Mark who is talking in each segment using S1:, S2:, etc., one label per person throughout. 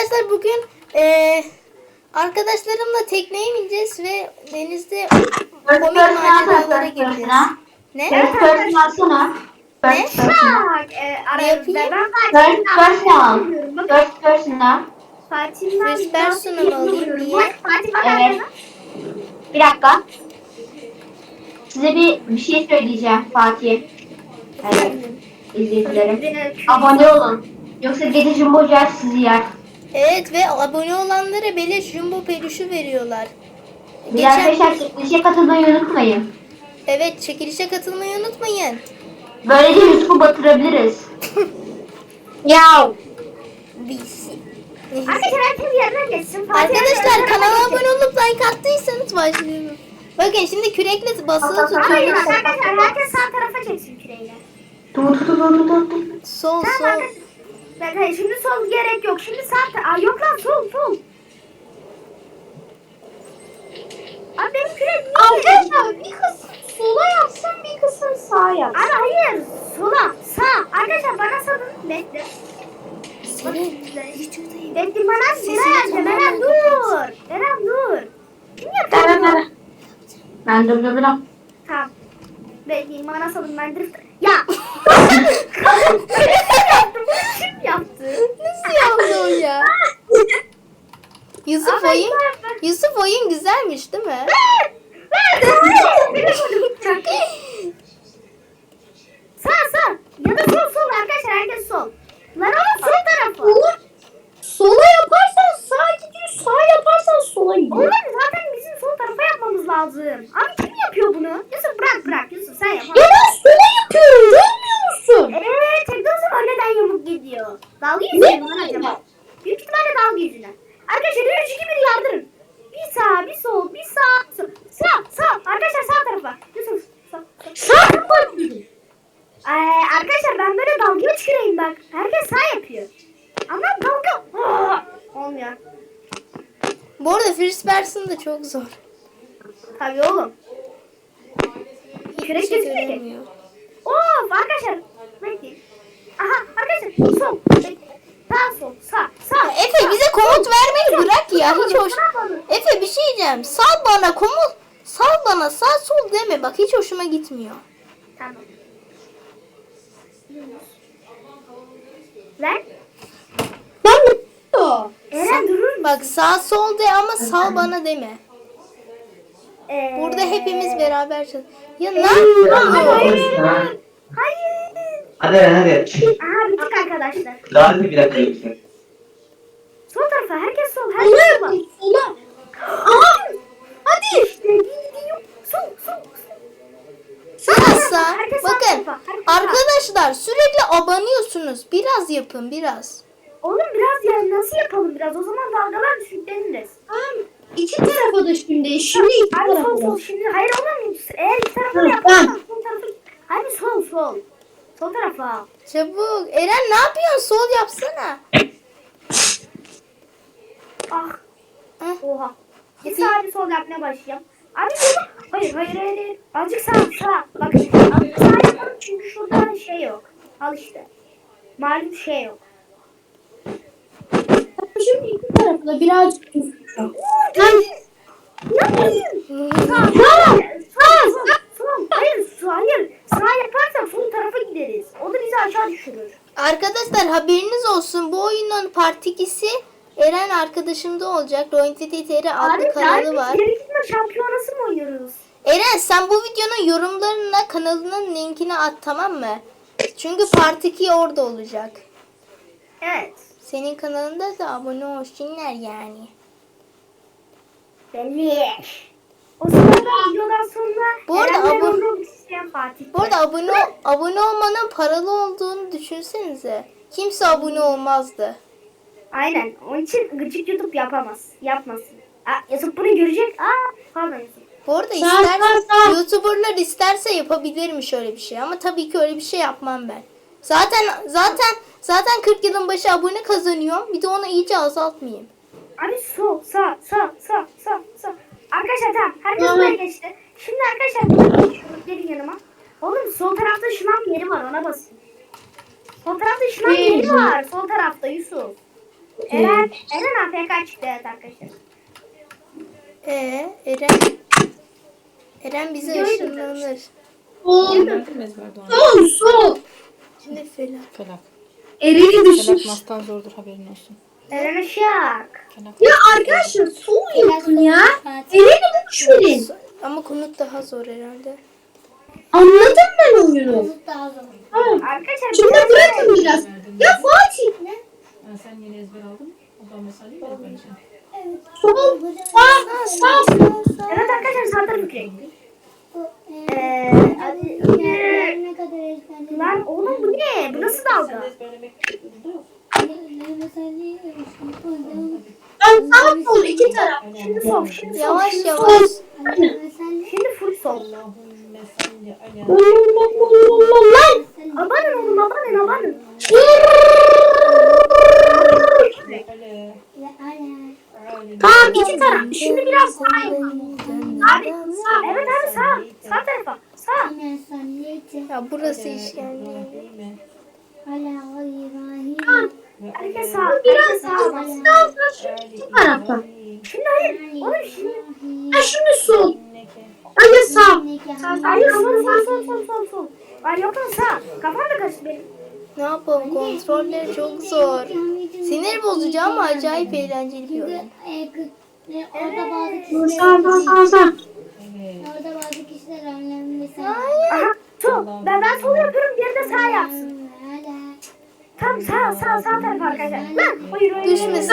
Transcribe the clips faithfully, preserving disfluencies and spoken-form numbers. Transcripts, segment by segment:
S1: Arkadaşlar bugün e, arkadaşlarımla tekneye bineceğiz ve denizde komik maceralara gireceğiz. Ne?
S2: First person alsana.
S1: Ne?
S2: First person.
S1: Ne yapayım?
S2: First person. First person al.
S1: First person'a mı alayım? Niye?
S2: Evet. Bir dakika. Size bir bir şey söyleyeceğim Fatih. Evet. İzleyicilerim. Abone olun. Yoksa gece Jumbo Jet sizi yer.
S1: Evet ve abone olanlara beleş jumbo peluşu veriyorlar.
S2: Bir de arkadaşlar çekilişe katılmayı unutmayın.
S1: Evet, çekilişe katılmayı unutmayın.
S2: Böylece Yusuf'u batırabiliriz.
S3: Ya.
S1: Biz.
S3: Arkadaşlar herkes yerine geçsin.
S1: Arkadaşlar kanala abone olup like attıysanız başlayalım. Bakın şimdi kürekle basılı
S3: Hayır
S1: tutuyoruz.
S3: arkadaşlar herkes sağ tarafa çeksin küreğiyle.
S2: Dur dur dur dur dur. dur.
S1: Sol
S3: Tamam
S1: sol.
S3: arkadaşlar. Ben hayır şimdi sol gerek yok. Şimdi sağ ta- Aa yok lan sol sol. Abi benim kürek niye?
S4: Arkadaşlar bir kısım sola yapsın, bir kısım sağa yapsın.
S3: Abi hayır sola sağ. Arkadaşlar bana salın. Bekle.
S1: Senin
S3: Bekle bana
S1: Sesini
S3: Meral yazdı. Meral
S1: tamamen
S3: dur. Meral dur. Kim yapıyor
S2: Evet
S3: bunu?
S2: evet. Ben dur dur dur.
S3: Tamam. Bekleyin bana salın ben drift. Ya. Kim yaptı?
S1: nasıl yaptı o ya? Yusuf
S3: Ama
S1: oyun,
S3: ben-
S1: Yusuf oyun güzelmiş değil mi?
S3: Sağ sağ. Ya da sol sol arkadaşlar herkes sol. Lan oğlum sol tarafı.
S4: Olur. Sola yaparsan sağa gidiyor, sağa yaparsan sola gidiyor.
S3: Oğlum zaten bizim sol tarafa yapmamız lazım. Abi kim yapıyor bunu? Yusuf bırak bırak Yusuf sen yap.
S4: Ya ben sola yapıyorum, görmüyor musun?
S3: Eee teknoloji var neden yamuk gidiyor? Dalga yüzünden mi lan acaba? Büyük ihtimalle dalga yüzünden. Arkadaşlar üç iki bir yardırın. Bir sağ bir sol bir sağ sol. Sağ sağ arkadaşlar sağ tarafa. Yusuf sağ. sağ.
S4: Sağ yapıyorum.
S3: Ee, arkadaşlar ben böyle dalga çıkarayım bak. Herkes sağ yapıyor. Ama dalga Aa, olmuyor.
S1: Bu arada first person da çok zor.
S3: Tabii oğlum.
S1: Hiçbir
S3: Kürek
S1: şey
S3: gözükmüyor ki.
S1: göremiyor.
S3: Of arkadaşlar. Bekleyin. Aha arkadaşlar sol. Bekleyin. Sağ sol sağ sağ.
S1: Efe bize komut vermeyi bırak ya. Hiç hoş.
S3: Ne yapalım?
S1: Efe bir şey diyeceğim. Sal bana komut. Sal bana sağ sol deme. Bak hiç hoşuma gitmiyor.
S3: Tamam. Lan.
S4: Ben de
S3: Eren durur musun?
S1: Bak sağ sol de ama sal bana deme.
S3: Ee,
S1: Burada hepimiz beraber çalış. Ya ne
S3: Hayır.
S1: yapıyorsun?
S3: Hayır.
S5: Hadi hadi.
S3: Aha bittik arkadaşlar.
S5: Daha hadi bir dakika lütfen.
S3: Sol tarafa herkes sol.
S4: sola
S3: Herkes sol.
S4: yapayım, sola. Aha.
S3: Hadi. İşte gidiyor. Sol sol.
S1: Sağ.
S3: Herkes sağ
S1: Bakın
S3: tarafa, herkes sağ.
S1: arkadaşlar sürekli abanıyorsunuz. Biraz yapın biraz.
S3: Oğlum biraz ya nasıl yapalım biraz? O zaman dalgalar düşükleniriz.
S4: Tamam. İki tarafa da şimdi. Şimdi iki
S3: Abi sol
S4: tarafa
S3: sol
S4: da.
S3: şimdi. Hayır oğlum eğer iki tarafa da
S4: Hı,
S3: yaparsan sol tarafı. Hani sol sol. Sol tarafa.
S1: Çabuk. Eren ne yapıyorsun? Sol yapsana.
S3: Ah.
S1: Heh.
S3: Oha. Bir sağ bir sol yapmaya başlayacağım. Abi bunu. Hayır hayır hayır. hayır. Azıcık sağ sağ. Bak azıcık sağ yapalım çünkü şurada şey yok. Al işte. Malum şey yok.
S4: Şimdi iki tarafa da birazcık tutacağım.
S3: Ne yapıyorsun? Sağ. Sağ. Sağ. Sol. Hayır sağ. Hayır. Sağ yaparsan sol tarafa gideriz. O da bizi aşağı düşürür.
S1: Arkadaşlar haberiniz olsun. Bu oyunun part ikisi Eren arkadaşımda olacak. Rointity T R adlı kanalı var.
S3: Abi biz yarı şampiyonası mı oynuyoruz?
S1: Eren sen bu videonun yorumlarına kanalının linkini at tamam mı? Çünkü part iki orada olacak.
S3: Evet.
S1: Senin kanalında da abone olsunlar yani.
S3: Belli. O sırada videodan sonra
S1: Bu arada
S3: Eren'le
S1: abone-
S3: Roblox isteyen Fatih.
S1: Bu arada abone abone olmanın paralı olduğunu düşünsenize. Kimse abone olmazdı.
S3: Aynen. Onun için gıcık YouTube yapamaz. Yapmasın. Aa, YouTube bunu görecek. Aa, pardon YouTube.
S1: Bu arada
S4: Sağ,
S1: ister,
S4: sağ, sağ.
S1: YouTuber'lar isterse yapabilirmiş öyle bir şey ama tabii ki öyle bir şey yapmam ben. Zaten zaten zaten kırk yılın başı abone kazanıyorum. Bir de onu iyice azaltmayayım.
S3: Abi sol, sağ, sağ, sağ, sağ, sağ. Arkadaşlar tamam. Herkes
S4: Tamam.
S3: buraya geçti. Şimdi arkadaşlar burada geçiyoruz. Gelin yanıma. Oğlum sol tarafta şınav yeri var. Ona basın. Sol tarafta şınav
S4: Değil.
S3: yeri var. Sol tarafta Yusuf. Eren, Eren A F K çıktı evet arkadaşlar.
S1: Ee, Eren. Eren bize
S3: Videoyu
S1: ışınlanır.
S4: Sol.
S6: Öğrendim ezber doğan.
S4: Sol. Sol.
S1: Ne falan.
S6: Felak.
S4: Eren'i
S6: Felak
S4: düşür.
S6: mastan zordur haberin olsun.
S3: Eren Işık.
S6: Felak.
S4: Ya arkadaşlar sol yapın ya. Eren'i düşürün.
S1: Ama konut daha zor herhalde.
S4: Anladım ben oyunu. Tamam.
S3: Arkadaşlar
S4: Şimdi
S3: biraz-
S4: bırakın biraz. Ya Fatih.
S6: Ha, sen yeni ezber aldın mı? O zaman mesaleyi mi ezberleyeceksin?
S4: Sol. Sağ. Sağ.
S3: Evet arkadaşlar sağ tarafı kırık. Eee hadi. Lan oğlum bu ne? Bu nasıl dalga?
S6: Ezberlemek zorunda yok.
S4: Ben sağ sol iki taraf.
S3: Şimdi sol, şimdi sol,
S1: Yavaş
S3: şimdi
S1: yavaş.
S3: sol. Şimdi full sol.
S6: Allahümme salli ala.
S4: Lan.
S3: Abanın oğlum abanın abanın.
S6: Ala.
S4: Tamam iki taraf. Şimdi biraz sağ yapalım.
S3: Abi sağ. Evet abi sağ. Sağ tarafa. Sağ.
S1: Ya burası işkence.
S3: Herkes sağ.
S4: Biraz
S3: Herkes
S4: sağ.
S3: sağ.
S4: Sağ sağ. Şu tarafa.
S3: Şimdi hayır. Oğlum şimdi.
S4: Ha şimdi sol. Hadi sağ.
S3: Hayır sol sol sol sol sol sol. Ay yok lan sağ. Kafam da karıştı benim.
S1: Ne yapalım? Kontrolleri çok zor. Sinir bozucu ama acayip eğlenceli bir oyun.
S7: Orada bazı
S4: Sağ
S7: kişiler
S4: sağ sağ sağ.
S7: orada bazı kişiler önemli mesela.
S3: Aha sol. Ben ben sol yapıyorum. Diğeri de sağ yapsın. Tam sağ sağ sağ taraf arkadaşlar. Lan hayır hayır.
S1: Düşmesin.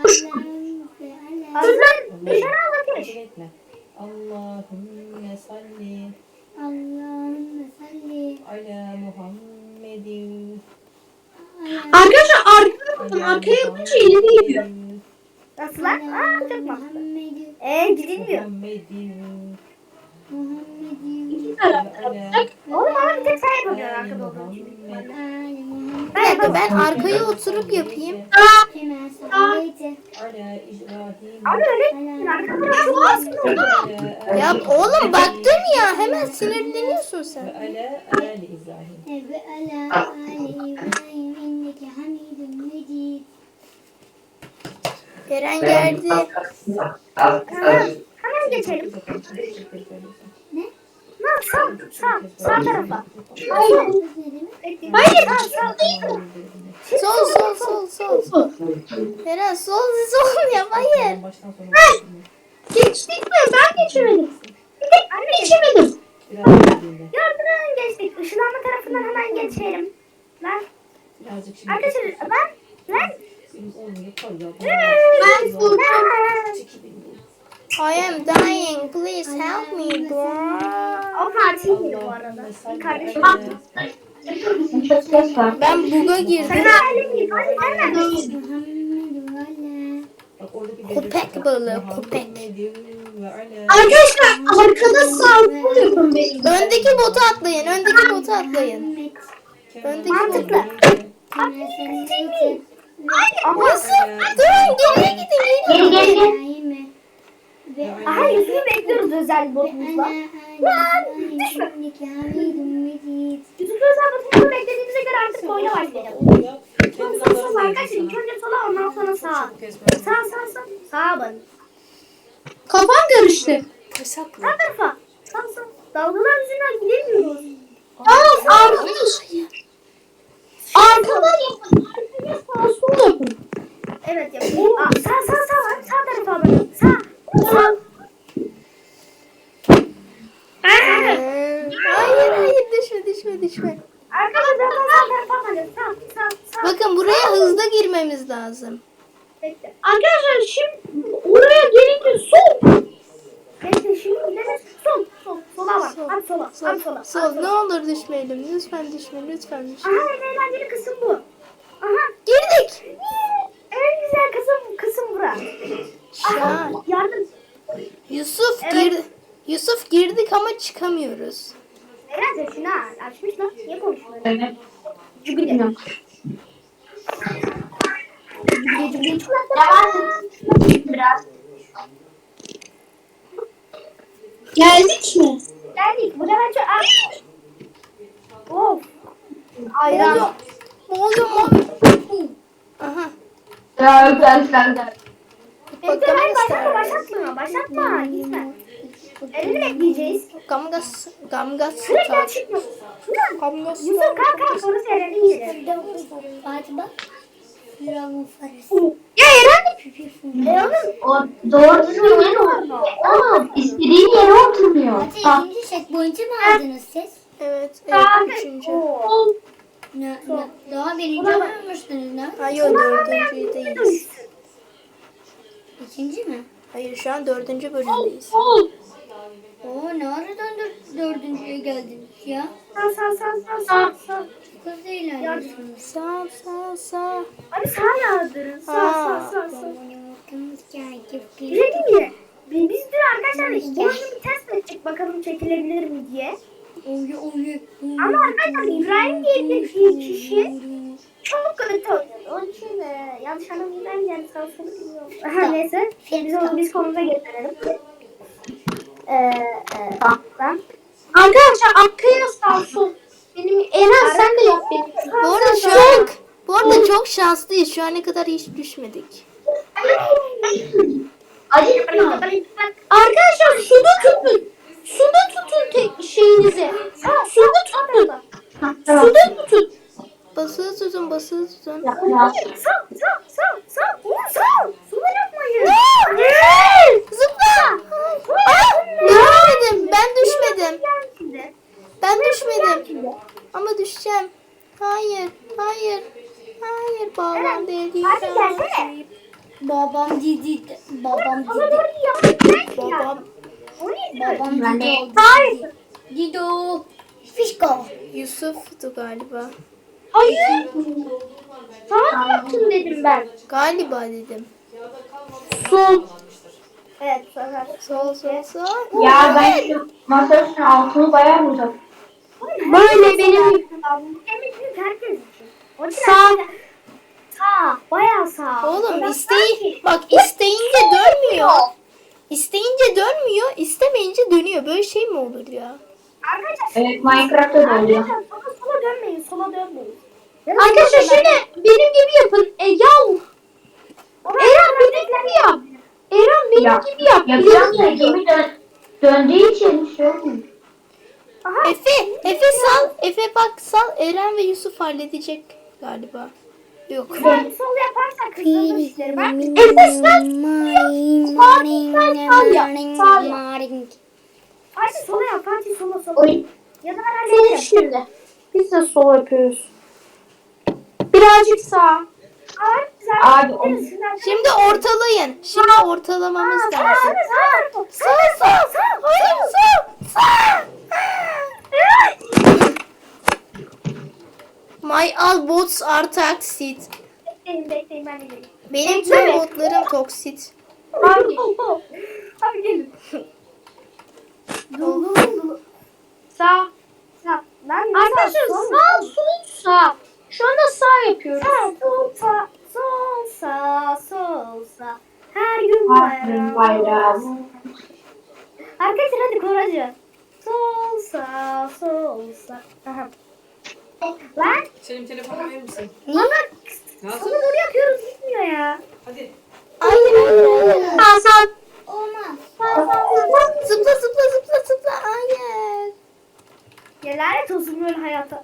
S3: Lan dışarı anlatmış.
S6: Etme. Allahümme salli
S7: Allahümme salli
S6: ala Muhammedin.
S4: Arkadaşlar arkaya bakın. Arkaya yapınca ileri gidiyor.
S3: Nasıl lan? Aa çok mu?
S7: Muhammedin
S3: Eee gidilmiyor.
S6: Muhammedin.
S7: Muhammedin
S4: İki taraf yapacak.
S3: Oğlum ama bir tek sen yapamıyorsun arkada olduğun için.
S7: Ali Muhammed
S1: Bir dakika ben arkaya oturup yapayım.
S7: hemen sallayti
S6: Ala İbrahim.
S3: Abi öyle arkada şu aslında.
S1: Ya oğlum baktım ya hemen sinirleniyorsun sen.
S6: Ala Ali İbrahim.
S7: ve ala Ali İbrahim inneke hamidun mecid.
S1: Eren geldi.
S3: Hemen geçelim. Lan sağ sağ sağ tarafa. Hayır. Hayır sağ sağ.
S1: Sol sol sol sol. sol. Eren sol sol yap hayır.
S6: Baştan sona
S4: Geçtik mi? Ben geçemedim.
S3: Anne
S4: Geçemedim.
S6: biraz dinle.
S3: gördün geçtik. Işınlanma tarafından hemen geçelim. Lan
S6: Birazcık şimdi.
S3: arkadaşlar ben ben
S6: Bizim olmuyor. Koy
S4: Ben sol.
S1: I am dying. Please help me bro.
S3: O Fatih'ydi bu arada. Bir kardeşim.
S2: Çok ses var.
S1: Ben buga girdim.
S3: Sen halim gibi. Hadi sen neredesin?
S7: Muhammedun ve ala
S1: Köpek balığı, köpek.
S4: Arkadaşlar arkada sağ sol yapın benim.
S1: Öndeki botu atlayın. Öndeki botu atlayın.
S7: Muhammed
S1: Öndeki
S3: Mantıklı.
S1: botu.
S7: hemen sallayti
S1: Nasıl? Durun geriye gidin.
S2: Geri geri geri.
S7: İbrahim'e ve
S3: Aha Yusuf'u bekliyoruz özel botumuzla.
S7: ala Ali İbrahim inneke hamidun mecid.
S3: Yusuf'u özel botumuzla beklediğimize göre artık oyuna başlayalım. Sol sol sol arkadaşlar. İlk önce sola ondan sonra sağa. Sağ sağ sağ. Sağa bak.
S4: Kafam karıştı.
S3: Sağ tarafa. Sağ sağ. Dalgalar yüzünden gidemiyoruz.
S4: Tamam arkadaşlar. Arkadan yapın. Arkaya sağ sol yapın.
S3: Evet yapayım. Aa, sağ sağ sağ var. Sağ tarafa bakın. Sağ. Sağ.
S1: Ee, Hayır hayır düşme düşme düşme.
S3: Arkadaşlar ben sağ tarafa bakın. Sağ sağ sağ.
S1: Bakın buraya hızlı girmemiz lazım.
S3: Bekle.
S4: Arkadaşlar şimdi oraya gelince sol.
S3: Bekle şimdi gideriz. Sol. Sol. Sola bak.
S1: Sol.
S3: Hadi sola.
S1: Sol,
S3: Hadi sola.
S1: sol. Ne olur düşmeyelim. Lütfen düşme lütfen düşme.
S3: Aha en eğlenceli kısım bu. Aha.
S1: Girdik.
S3: En güzel kısım kısım bura.
S1: Ya,
S3: Aha. Yardım.
S1: Yusuf
S3: Evet.
S1: girdi. Yusuf girdik ama çıkamıyoruz.
S3: Eğlence şunu ha. Açmış lan. Niye konuşmuyor?
S2: Evet.
S3: Cübile.
S2: Biraz.
S4: Geldik mi?
S3: Geldik. Bu sefer çok... Ay. Of. Ayran.
S1: Ne oluyor mu? Aha.
S2: Ya güzel.
S3: Bekle hayır başlatma başlatma. Başlatma gitme. Elini bekleyeceğiz.
S1: Gamgas. Gamgas.
S3: Sürekli çıkma.
S1: Gamgas.
S3: Yusuf kalk kalk sonra seyredin yine.
S7: Fatih bak. Firavun faresi.
S3: Ya Eren. E oğlum.
S2: O doğru düzgün yere oturmuyor. Oğlum istediğin yere oturmuyor.
S7: Fatih
S2: Bak.
S7: ikinci checkpoint'i mi aldınız siz?
S1: Evet. Evet. Üçüncü.
S7: Ne, ne, daha birinci olmamıştınız ne?
S1: Hayır dördüncüdeyiz.
S7: İkinci mi?
S1: Hayır şu an dördüncü bölümdeyiz.
S7: Oo ne aradan dör, dördüncüye geldiniz ya?
S3: Sağ sağ sağ sağ sağ sağ.
S7: Çok hızlı ilerliyorsunuz.
S1: Sağ sağ sağ.
S3: Abi sağ yağdırın. Sağ sağ sağ sağ. Bir şey diyeyim mi? Biz, biz dün arkadaşlar bu oyunu bir test ettik bakalım çekilebilir mi diye. Ama arkadaşlar İbrahim diye bir kişi çok kötü oynuyor. Onun için e, yanlış anlamayın yani sağ solu bilmiyorum. Her neyse biz onu biz konumuza getirelim. Ee, e, ben.
S4: Arkadaşlar arkaya sağ sol. Benim Eren sen de yap benim.
S1: Bu arada şu an bu arada çok şanslıyız. Şu ana kadar hiç düşmedik.
S2: Acıkma.
S4: Arkadaşlar suda tutun. Suda tutun tek şeyinizi. Suda tutun. Suda tutun.
S1: Basılı tutun, basılı tutun.
S2: Ya.
S3: Sağ sağ sağ sağ. Oğlum sağ. Sola yapmayın.
S1: Zıpla! Aa, düşmedim. Ben düşmedim.
S3: Şimdi.
S1: Ben düşmedim. Ama düşeceğim. Hayır, hayır. Hayır, babam dedi.
S3: Hadi gelsene.
S7: Babam dedi. Babam
S3: Sola
S7: dedi.
S3: doğru yapmayın.
S1: Babam
S3: O neydi?
S7: Babam
S2: Ben de-
S7: dedi.
S3: Hayır.
S7: Dido. Fişko.
S1: Yusuf'tu galiba.
S4: Hayır. Sana mı yaptın dedim ben.
S1: Galiba dedim.
S4: Sol.
S3: Evet sonra.
S1: Sol, sol, sol.
S2: Ya ben şu masa üstüne altını bayağı vurdum.
S4: Böyle benim.
S3: Emin büyük herkes için. O için
S4: Sağ.
S3: herkes- Sağ. Bayağı sağ.
S1: Oğlum
S3: Biraz
S1: isteği bak isteyince dönmüyor. İsteyince dönmüyor, istemeyince dönüyor. Böyle şey mi olur ya?
S3: Arkadaşlar.
S2: Evet Minecraft'ta da oluyor.
S3: Arkadaşlar sola, sola dönmeyin. Sola dönmeyin.
S4: Arkadaşlar şöyle benim gibi yapın. E, yav. Eren benim gibi yap. Eren benim
S2: Ya,
S4: gibi yap.
S2: Yapıyorum da gemi dön döndüğü için şey olmuyor.
S3: Aha.
S1: Efe, Efe sal. Efe bak sal. Eren ve Yusuf halledecek galiba. Yok.
S3: Sen sol yaparsan kızılır işleri. Ben
S4: Efe sen.
S3: Fatih sola yap. Fatih sola sola.
S2: Oy.
S3: Ya da ben
S4: Senin
S3: halledeceğim.
S4: şimdi. Biz de sol yapıyoruz. Birazcık sağ.
S3: Abi, güzel.
S2: Abi, o-
S1: Şimdi ortalayın. Şimdi ortalamamız
S3: Sağ,
S1: lazım.
S3: sağ, sağ.
S1: Sağ, sağ, sağ. Hayır, sağ, sağ. My all bots are toxic.
S3: Bekleyin bekleyin ben de geleyim.
S1: Benim tüm botlarım toksit.
S3: Abi, abi gelin. Dolu dolu.
S4: Sağ.
S3: Sağ. Ben
S4: Arkadaşlar sağ sol sağ. Şu anda sağ yapıyoruz.
S3: Sağ, sol, sağ, sol, sağ, sol, sağ. Her gün
S2: Her gün
S3: bayram.
S2: bayram.
S3: Arkadaşlar hadi koracı. Sol, sağ, sol, sağ. Aha. Lan,
S6: Senin telefonu verir misin?
S3: ama
S6: Nasıl?
S3: sana doğru yapıyoruz gitmiyor ya.
S6: Hadi.
S1: Hayır, hayır, hayır.
S4: Sağ sağ.
S7: Olmaz.
S1: Zıpla, zıpla, zıpla, zıpla. Hayır.
S3: Ya lanet olsun böyle hayata.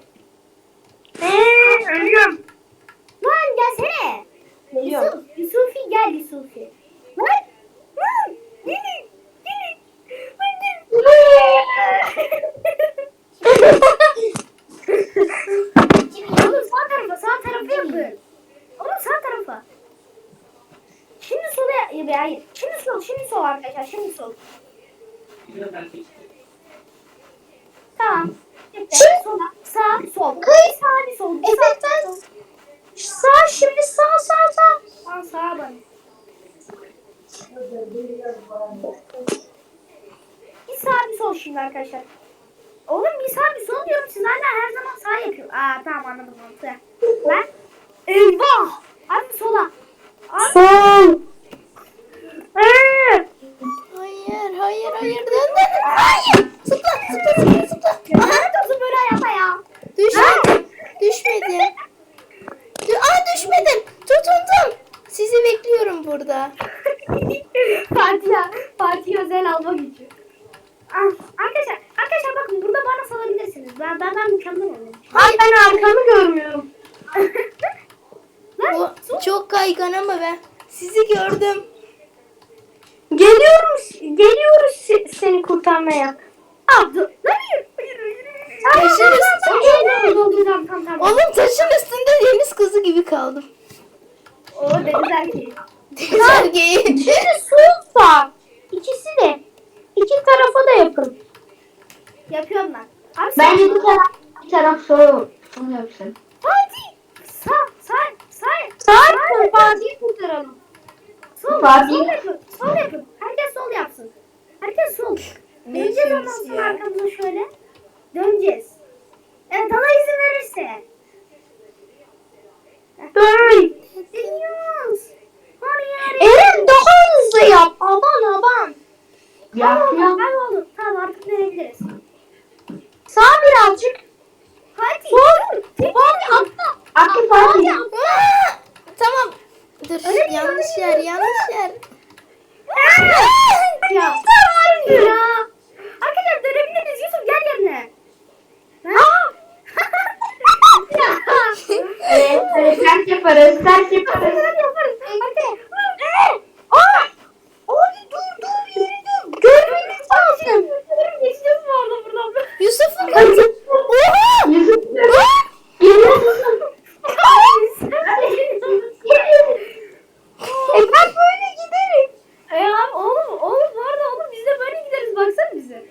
S3: Eee ölüyorum. Lan gelsene. Yusuf, Yusufi gel Yusufi. Lan. Lan. Gelin. Gelin. Hadi. Oğlum sağ tarafa, sağ tarafa yapın. Oğlum sağ tarafa. Şimdi sola, ya hayır. Şimdi sol, şimdi sol arkadaşlar, şimdi sol. Tamam. Şimdi sola, sağ, sol. Bir sağ, bir sol. Bir
S4: Evet,
S3: sağ,
S4: ben-
S3: bir sol.
S4: Sağ şimdi sağ sağ sağ.
S3: Sağ, sağa bak. Bir sağ, bir sol şimdi arkadaşlar. Oğlum bir sağ, bir sol diyorum. Siz hala her zaman sağ yapıyor. Aa tamam anladım mantığı. Ben eyvah. Abi sola. Abi.
S4: Sol.
S3: Eee.
S1: Hayır, hayır, hayır. Dön, dön, dön. Hayır. Zıpla, zıpla, zıpla, zıpla.
S3: Ya lanet olsun böyle hayata ya.
S1: Düşmedim. Düşmedim. Dü- Aa düşmedim. Tutundum. yaşıyorum burada.
S3: Fatih'e, Fatih özel alma gücü. Ah, arkadaşlar, arkadaşlar bakın burada bana salabilirsiniz. Ben ben, ben mükemmel olurum.
S4: Ay ben arkamı görmüyorum.
S1: Bu çok kaygan ama ben sizi gördüm.
S4: Geliyoruz. Geliyoruz se- seni kurtarmaya.
S3: Ah, dur. Lan hayır, hayır, hayır.
S1: Taşın üstünde.
S3: Dolduracağım tam tam.
S1: Oğlum taşın üstünde deniz kızı gibi kaldım.
S3: O deniz erkeği.
S1: Deniz erkeği.
S4: Şimdi su var. İkisi de. İki tarafa da yapın.
S3: Yapıyorum ben. Abi
S2: Bence
S3: sen-
S2: bir taraf bir taraf soru. Onu yapsın.
S3: Fatih. Sağ, sağ, sağ.
S4: Sağ yapın. Fatih'i kurtaralım.
S3: Sol,
S2: Fatih.
S3: sol yapın. Sol yapın. Herkes sol yapsın. Herkes sol.
S1: Ne
S3: Döneceğiz ondan
S1: diyorsunuz
S3: sonra
S1: ya?
S3: arkamıza şöyle. Döneceğiz. Evet Allah izin verirse.
S4: Böyle.
S3: Deniyoruz. Hayır.
S4: Eren daha hızlı yap. Aman aman.
S2: Yapıyorum.
S3: Ben oldum. Tamam artık dönebiliriz.
S4: Sağ birazcık.
S3: Fatih.
S4: Sol.
S3: Tek-
S4: Fatih atla.
S2: Aktif Fatih.
S1: Aa! Tamam. Dur
S3: Öyle mi?
S1: yanlış yer yanlış yer.
S3: Ya. Ya. Arkadaşlar dönebiliriz. Yusuf gel yerine.
S4: Aa!
S3: Ya.
S2: Evet, evet, ters yaparız, ters yaparız.
S3: Hadi yaparız. Hadi.
S4: Aa! Abi dur dur yürü dur. Görmemiz lazım.
S3: Geçeceğiz mi orada buradan?
S1: Yusuf'un kızı. Oha!
S2: Yusuf,
S1: Aa!
S2: geliyorsun.
S4: E ben böyle giderim.
S3: E abi oğlum, oğlum bu arada oğlum biz de böyle gideriz baksana bize.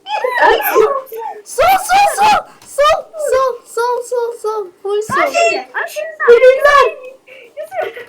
S1: Sol sol sol. Sol sol sol sol sol. Full sol.
S3: Abi şimdi, abi şimdi sen.
S4: Gönüller.
S3: Yusuf.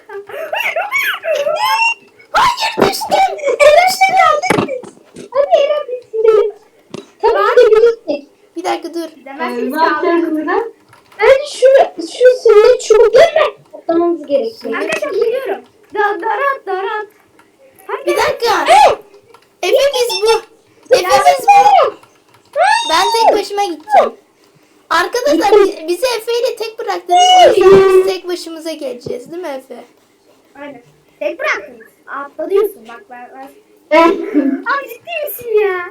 S1: Hayır düştüm.
S4: Eren'le geldik biz. Hadi Eren biz gidelim. Tabii ki de birlikte.
S1: Bir dakika dur.
S3: Demezsiniz
S2: Ne
S3: ki abi.
S2: yapacağız burada?
S4: Hadi şu, şu sünnet çubuklarını toplamamız gerekiyor.
S3: Arkadaşlar biliyorum. Da, darat darat. Hadi
S1: Bir dakika. Efe biz bu. Efe biz bu. Ben tek başıma gideceğim. Arkadaşlar bi- bizi Efe ile tek bıraktınız. O yüzden biz tek başımıza geleceğiz değil mi Efe?
S3: Aynen. Tek bıraktınız. Atladıyorsun bak ben. ben...
S2: Evet.
S3: Abi ciddi misin ya?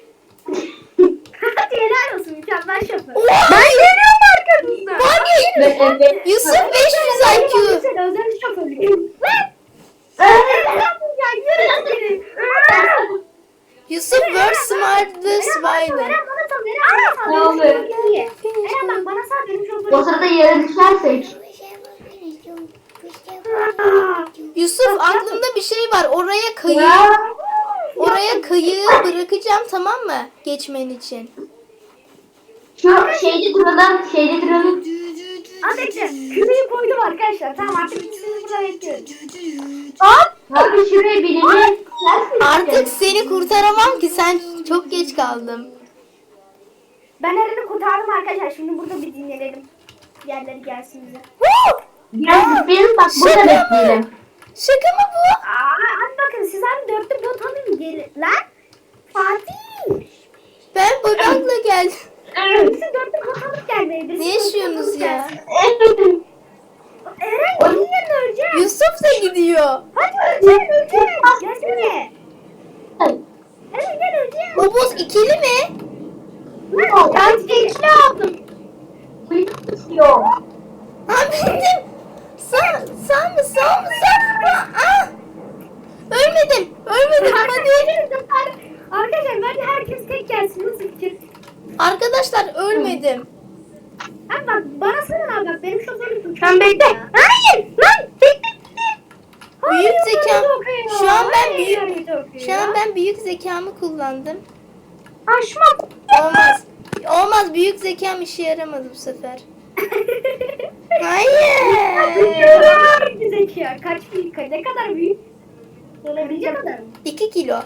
S3: Hadi helal olsun mükemmel şoför.
S4: Ben geliyorum arkanızda.
S1: Var ya,
S2: Evet.
S1: Yusuf beş yüz I Q.
S3: Sen özel şoförlük. Lan! Ya yürü seni.
S1: Yusuf World Smartest
S3: Eren bana
S1: Violin.
S3: sal, Eren bana sal.
S2: Ne
S3: Eren
S2: oldu?
S3: bana sal. Eren bak bana sal benim şoförüm.
S2: O sırada yere düşersek.
S1: Yusuf aklımda bir şey var. Oraya kayı,
S2: Ya.
S1: oraya kayığı bırakacağım tamam mı? Geçmen için.
S2: Şu şeyde duralım, şeyde duralım.
S3: Hadi bekle. Küreyi koydum arkadaşlar. Tamam artık ikisini burada bekliyoruz.
S2: Abi şuraya birini ters mi
S1: Artık
S2: gideceğiz?
S1: seni kurtaramam ki sen çok geç kaldın.
S3: Ben Eren'i kurtardım arkadaşlar. Şimdi burada bir dinleyelim. Yerleri gelsin bize.
S2: Biraz zıplayalım bak burada
S1: Şaka mı?
S2: bekleyelim.
S1: Şaka mı bu?
S3: Aa, hadi bakın siz abi dörtlü bot alın gelin. Lan Fatih.
S1: Ben babamla geldim.
S3: Siz dörtlü bot alıp gelmeyin.
S1: Ne yaşıyorsunuz ya?
S3: Eren gelin yerine öleceğim.
S1: Yusuf da gidiyor.
S3: Hadi öleceğim öleceğim. Gelsene. Eren gel öleceğim.
S1: O boz ikili mi?
S3: Lan
S4: Ben tekli aldım.
S2: Yok.
S1: Ha bindim. Sağ, sağ mı sağ mı sağ mı? Aa! Ölmedim. Ölmedim hadi.
S3: Arkadaşlar bence herkes tek gelsin. Nasıl fikir?
S1: Arkadaşlar ölmedim.
S3: Abi bak bana sorun abi bak benim şoförüm.
S4: Sen bekle. Hayır. Lan bekle.
S1: Büyük zekam. Şu an ben
S3: Hayır,
S1: büyük
S3: hayır,
S1: şu an ben büyük zekamı kullandım.
S4: Aşma.
S1: Olmaz. Olmaz büyük zekam işe yaramadı bu sefer. Hayır.
S3: Büyük zeka. Kaç büyük? Ne kadar büyük? Olabilecek kadar mı?
S1: iki kilo.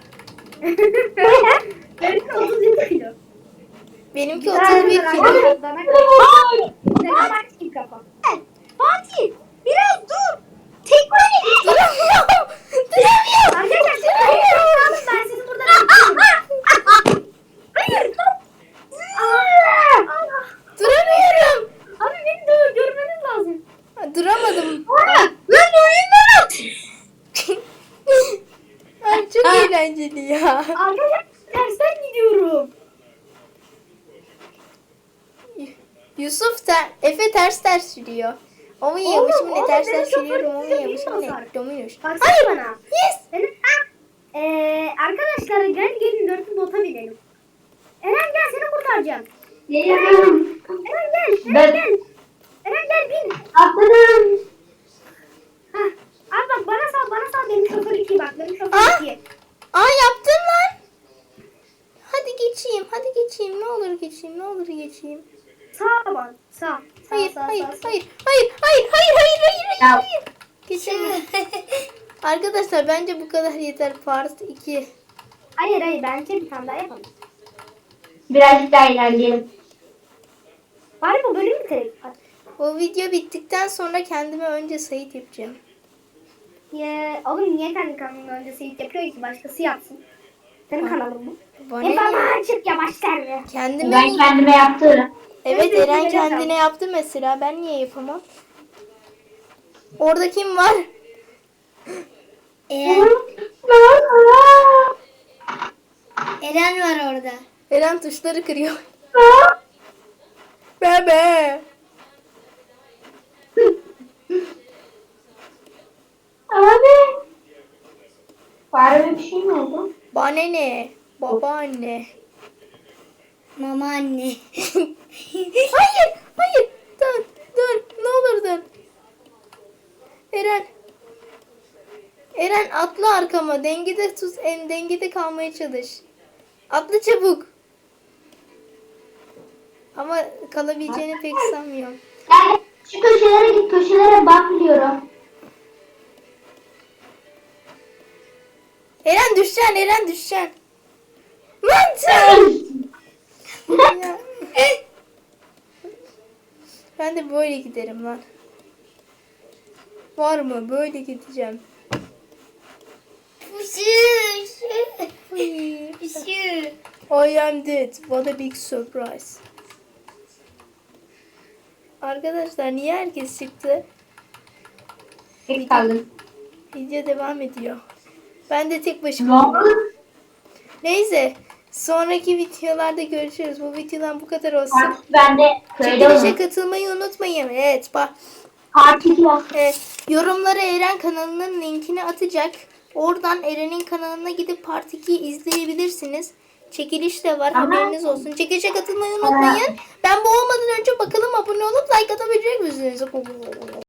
S3: Benimki otuz yedi kilo.
S1: Benimki otuz bir kilo.
S3: Dana kadar. Dana bak kim kafa.
S4: Fatih biraz dur. Tekme.
S1: Duramıyorum. Duramıyorum.
S3: Arkadaşlar hayır, ben sizi burada bekliyorum. Hayır. Allah.
S1: Duramıyorum.
S3: Abi beni de görmeniz lazım.
S1: Duramadım.
S4: Lan oyundan at.
S1: eğlenceli ya.
S3: Arkadaşlar tersten gidiyorum.
S1: Yusuf da Efe ters ters sürüyor. O mu yemiş
S3: Oğlum,
S1: mi ne
S3: oğlum,
S1: ters
S3: benim
S1: ters sürüyorum o mu
S3: şoförüm
S1: yemiş mi ne?
S3: bilmiyor.
S1: Dominos.
S3: Baksana
S1: Hayır.
S3: bana.
S1: Yes.
S3: Benim Eee arkadaşlar gel gelin dörtlü bota binelim. Eren gel seni kurtaracağım.
S2: Geliyorum.
S3: Eren gel. Eren
S2: Ben-
S3: gel. Eren gel bin.
S2: Atladım.
S3: Hah. Abi bak bana sal bana sal benim şoför iki bak benim şoför
S1: Aa.
S3: iki.
S1: Aa yaptın lan. Hadi geçeyim hadi geçeyim ne olur geçeyim ne olur geçeyim.
S3: Sağ bak sağ. Sağ
S1: Hayır
S3: sağ
S1: hayır
S3: sağ. sağ.
S1: hayır hayır hayır hayır hayır hayır
S2: Ya.
S1: hayır hayır. Geçemem. Arkadaşlar bence bu kadar yeter. Part iki.
S3: Hayır hayır bence bir tane daha yapalım.
S2: Birazcık daha ilerleyelim.
S3: Bari bu bölüm bitirelim. Hadi.
S1: O video bittikten sonra kendime önce Sait yapacağım.
S3: Ya, oğlum niye kendi kanalının öncesi ilk yapıyor ki başkası yapsın? Senin kanalın bu.
S1: Bana
S3: E
S1: ne?
S3: bana açık yavaş derme.
S1: Kendime
S2: Ben kendime yaptım.
S1: Evet
S3: Ben de
S1: Eren
S3: öyle
S1: kendine
S3: yapacağım.
S1: yaptı mesela. Ben niye yapamam? Orada kim var?
S7: Eren, Eren var orada.
S1: Eren tuşları kırıyor. Bebe.
S2: Abi. Fareme bir şey mi oldu?
S1: Bana ne? Babaanne.
S7: Mama anne.
S1: Hayır, hayır. Dur, dur. Ne olur dur. Eren. Eren atla arkama. Dengede tut, en dengede kalmaya çalış. Atla çabuk. Ama kalabileceğini pek sanmıyorum.
S2: Yani şu köşelere git, köşelere bakmıyorum.
S1: Eren düşeceksin, Eren düşeceksin. Mantık. Ya. Ben de böyle giderim lan. Var mı? Böyle gideceğim.
S7: Puşu.
S1: Uy.
S7: Puşu.
S1: I am dead. What a big surprise. Arkadaşlar niye herkes çıktı?
S2: Tek kaldım.
S1: Video devam ediyor. Ben de tek başıma. Neyse. Sonraki videolarda görüşürüz. Bu videodan bu kadar olsun.
S2: Artık ben de köyde
S1: Çekilişe
S2: olacağım.
S1: katılmayı unutmayın. Evet bak.
S2: Part iki var.
S1: Evet, yorumlara Eren kanalının linkini atacak. Oradan Eren'in kanalına gidip Part ikiyi izleyebilirsiniz. Çekiliş de var.
S2: Tamam.
S1: Haberiniz olsun. Çekilişe katılmayı unutmayın. Ben bu olmadan önce bakalım abone olup like atabilecek misiniz?